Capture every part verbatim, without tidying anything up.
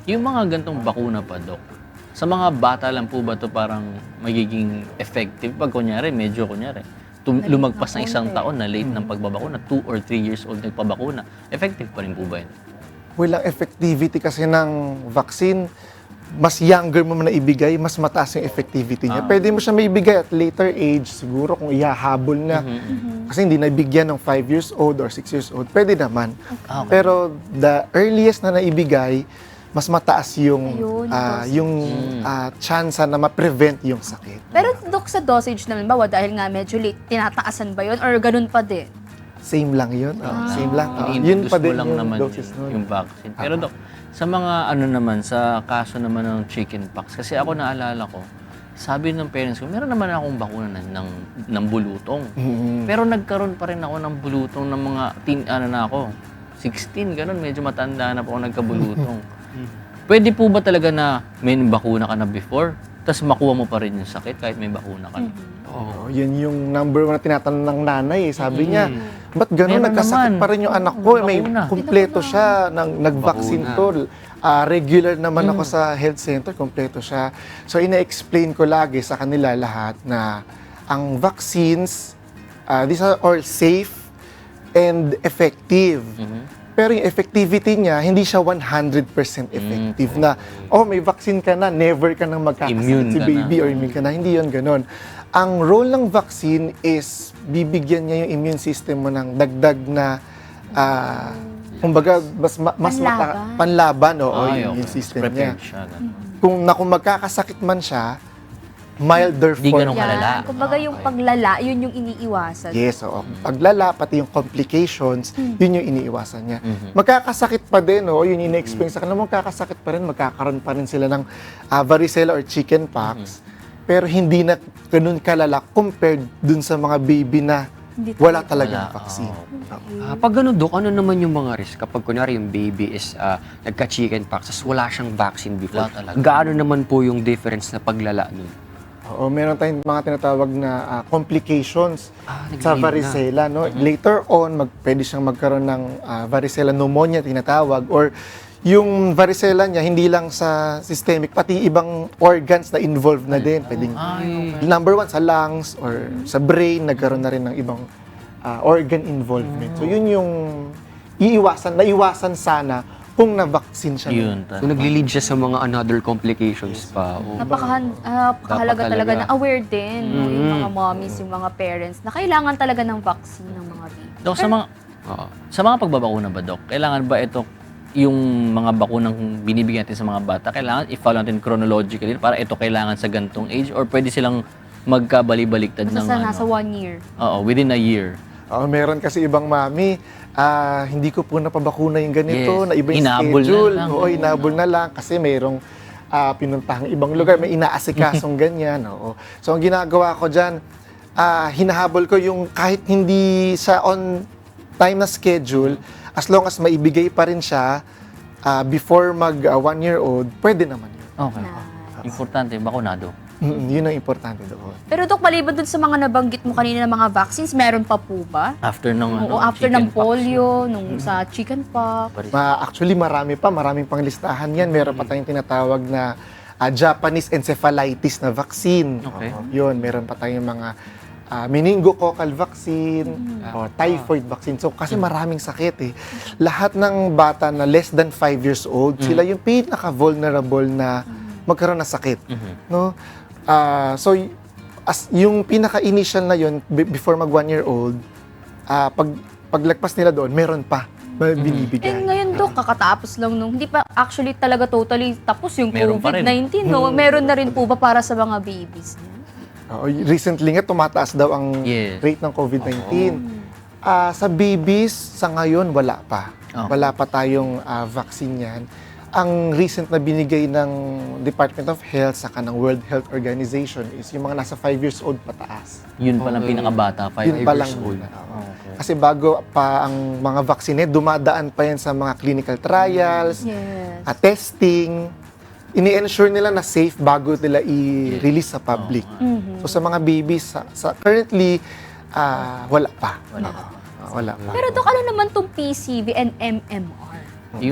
Yung mga gantong bakuna pa, Dok, sa mga bata lang po ba to parang magiging effective pag kunyari, medyo kunyari, tum- Late lumagpas na ng isang konti. taon na late ng pagbabakuna, two or three years old nagpabakuna, effective pa rin po ba yun? Walang effectivity kasi ng vaccine, mas younger mo man na ibigay, mas mataas yung effectivity niya. Ah. Pwede mo siya maibigay at later age, siguro kung ihahabol na. Kasi hindi nabigyan ng five years old or six years old, pwede naman. Ah, okay. Pero the earliest na naibigay, mas mataas yung Ayun, ah, dosage. yung ah, chance na ma-prevent yung sakit. Pero Dok, sa dosage naman ba, dahil nga medyo late, tinataasan ba yun? Or ganun pa din? Same lang yun. Oh, same lang. Oh, Ini-introduce yun pa mo din lang yung naman doses yung, nun. yung vaccine. Pero Dok, sa mga ano naman, sa kaso naman ng chickenpox, kasi ako naalala ko, sabi ng parents ko, meron naman akong bakuna ng, ng, ng bulutong. Mhm. Pero nagkaroon pa rin ako ng bulutong ng mga teen, ano na ako, sixteen, ganun, medyo matanda na po ako nagkabulutong. Pwede po ba talaga na may bakuna ka na before, tapos makuha mo pa rin yung sakit kahit may bakuna ka na? Oh, yan yung number one na tinatanong ng nanay. eh. Sabi niya, ba't gano'n Meron nagkasakit naman. pa rin yung anak ko? May Bakuna. kumpleto siya, nang, nag-vaccine to. Ah, regular naman ako sa health center, kumpleto siya. So, ina-explain ko lagi sa kanila lahat na ang vaccines, ah, these are all safe and effective. Pero yung effectivity niya, hindi siya one hundred percent effective na, oh, may vaccine ka na, never ka nang magkakasakit Immune si ka baby na. or immune ka na. Hindi yun ganun. Ang role ng vaccine is bibigyan niya yung immune system mo ng dagdag na, ah, kumbaga, mas, ma- mas mata- Panlaban. panlaban, oo, Ay, yung okay. immune system Prepared niya. siya. ganun. Kung, na kung magkakasakit man siya, milder Di form. ganun kalala. Kumbaga yung paglala, yun yung iniiwasan. Yes, oo. Paglala, pati yung complications, yun yung iniiwasan niya. Mhm. Magkakasakit pa din, oh, yun yung ina-explain sa kanila, magkakasakit pa rin, magkakaroon pa rin sila ng ah, varicella or chickenpox, pero hindi na ganun kalala compared dun sa mga baby na Hindi wala Wala, talagang vaccine. oo. Oo. Ah, pag ganun, Dok, ano naman yung mga risk kapag kunwari yung baby is ah, nagka-chickenpox, tas wala siyang vaccine before? Wala talaga. Gaano naman po yung difference na paglala nun? Oo, meron tayong mga tinatawag na ah, complications Ah, sa nag-lead na. varicella. No? Later on, mag, pwede siyang magkaroon ng ah, varicella pneumonia, tinatawag, or yung varicella niya, hindi lang sa systemic, pati ibang organs na involved na din. Pwedeng, number one, sa lungs or sa brain, nagkaroon na rin ng ibang ah, organ involvement. So yun yung iiwasan, naiwasan sana kung na-vaccine siya. Yun. So, nagli-lead siya sa mga another complications pa. Oh. Napakahan, ah, napakahalaga Dapat talaga talaga. na aware din no, yung mga mommies, yung mga parents na kailangan talaga ng vaccine ng mga baby. Dok, sa mga, Oo. sa mga pagbabakuna ba, Dok, kailangan ba ito, yung mga bakunang binibigyan natin sa mga bata, kailangan i-follow natin chronologically para ito kailangan sa gantong age or pwede silang magkabali-baliktad ng Basta sa ano? nasa one year. Oo, within a year. Oo, meron kasi ibang mami, ah, hindi ko po napabakuna yung ganito, Yes. na iba yung Hinabol na schedule. lang. Oo, hinabol na lang kasi mayroong ah, pinuntahang ibang lugar, may inaasikasong ganyan. Oo. So, ang ginagawa ko dyan, ah, hinahabol ko yung kahit hindi sa on time na schedule, as long as maibigay pa rin siya ah, before mag ah, one year old, pwede naman yun. Okay. Na- Importante, bakunado. Mm, yun ang importante doon. Pero Dok, maliban dun sa mga nabanggit mo kanina ng mga vaccines, meron pa po ba? After ng ano, Oo, after ng chickenpox, polio, nung sa chickenpox. Paris. Ma, actually, marami pa. Maraming pang listahan yan. Meron pa tayong tinatawag na ah, Japanese encephalitis na vaccine. Okay. Oo, yun, meron pa tayong mga ah, meningococcal vaccine or typhoid vaccine. So, kasi maraming sakit eh. Lahat ng bata na less than five years old, sila yung pinaka-vulnerable na magkaroon ng sakit. No? Ah, so, y- as, yung pinaka-initial na yun, be- before mag one year old, ah, pag, paglagpas nila doon, meron pa na Eh binibigay. ngayon Dok, kakatapos lang nung, hindi pa actually talaga totally tapos yung Meron pa rin. COVID nineteen, no? Meron na rin po ba para sa mga babies niya? Oo, recently nga, tumataas daw ang Yes. rate ng COVID nineteen. Ah, sa babies, sa ngayon, wala pa. Okay. Wala pa tayong ah, vaccine yan. Ang recent na binigay ng Department of Health saka ng World Health Organization is yung mga nasa five years old pataas. Yun palang pinakabata, five Yun pa lang years old. muna, oo. Kasi bago pa ang mga vaccine, dumadaan pa yan sa mga clinical trials, Yes. at testing. Ini-ensure nila na safe bago nila i-release sa public. So sa mga babies, sa, sa currently, ah, wala pa. Wala pa. wala pa. Pero Dok, ano naman tong P C V and M M R? Yung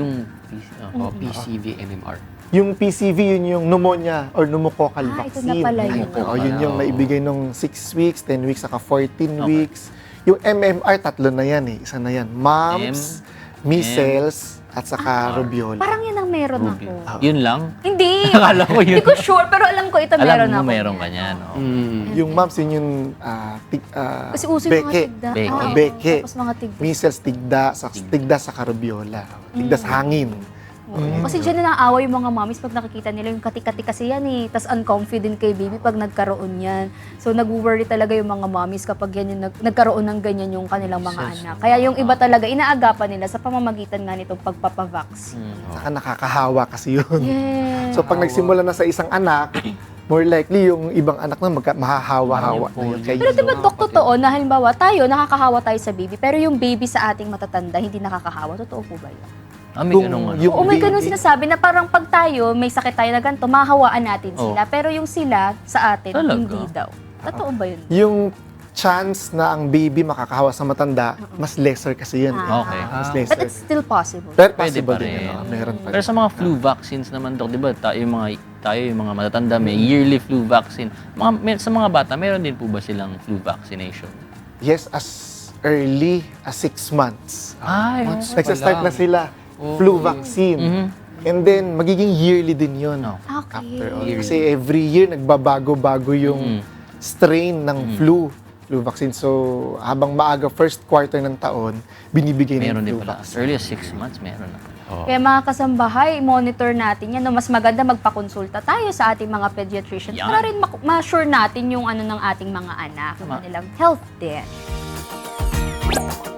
P C, oh. O P C V, M M R. Yung P C V, yun yung pneumonia or pneumococcal Ah, ito vaccine. na pala yun. Oo, yun yung Oo. naibigay nung six weeks, ten weeks, saka fourteen Okay. weeks. Yung M M R, tatlo na yan eh. Isa na yan. Mumps, measles, at saka rubiola. Parang yan ang meron Ruby. ako. Yun lang? Hindi. Akala ko yun. Hindi ko sure, pero alam ko ito meron Alam mo ako. meron niyan. ka niyan. Oh. Mm. Yung mumps, yun yung ah, tig, ah, Kasi uso yung mga beke. tigda. Beke. Ah, oo. Beke. Tapos mga tigda. Measles, tigda, sa, tigda sa karubiola. Tigda sa hangin. Oo. Kasi dyan na naawa yung mga mommies pag nakikita nila yung kati-kati kasi yan eh. Tapos unconfident kay baby pag nagkaroon yan. So nag-worry talaga yung mga mommies kapag yan yung nag- nagkaroon ng ganyan yung kanilang mga Yes. anak. Kaya yung iba talaga, inaagapan nila sa pamamagitan nga nitong pagpapavaccine. Mm. Saka nakakahawa kasi yun. Yes. So pag nagsimula na sa isang anak, more likely yung ibang anak na magka, mahahawa-hawa na yun. Kaya Pero yun, diba, Dok, totoo na halimbawa tayo, nakakahawa tayo sa baby, pero yung baby sa ating matatanda, hindi nakakahawa. Totoo po ba yun? Ah, may Kung ganun ano. yung- Oo, may ganun baby- sinasabi na parang pag tayo, may sakit tayo na ganito, mahawaan natin Oo. sila. Pero yung sila, sa atin, Talaga? hindi daw. Totoo ba yun? yung chance na ang baby makakahawa sa matanda, mas lesser kasi yun. eh. Ah. Okay. Mas But lesser. it's still possible. Pero Pwede possible pa din. rin. ano, meron pa Pero rin. sa mga flu vaccines naman, Dok, di ba, tayo yung mga, tayo yung mga matatanda, may yearly flu vaccine. Mga, may- sa mga bata, meron din po ba silang flu vaccination? Yes, as early as six months. Ay, Months Nagsa-start pa na lang. sila. Flu vaccine. Mhm. And then, magiging yearly din yun. No. Okay. After all. Yearly. Kasi every year, nagbabago-bago yung Mm. strain ng flu flu vaccine. So, habang maaga first quarter ng taon, binibigay ng Meron din flu pala. As vaccine. early as six months, meron na. Kaya mga kasambahay, monitor natin yan. No? Mas maganda magpakonsulta tayo sa ating mga pediatricians Yan. para rin mak- ma-sure natin yung ano ng ating mga anak, yung Tama. kanilang health din.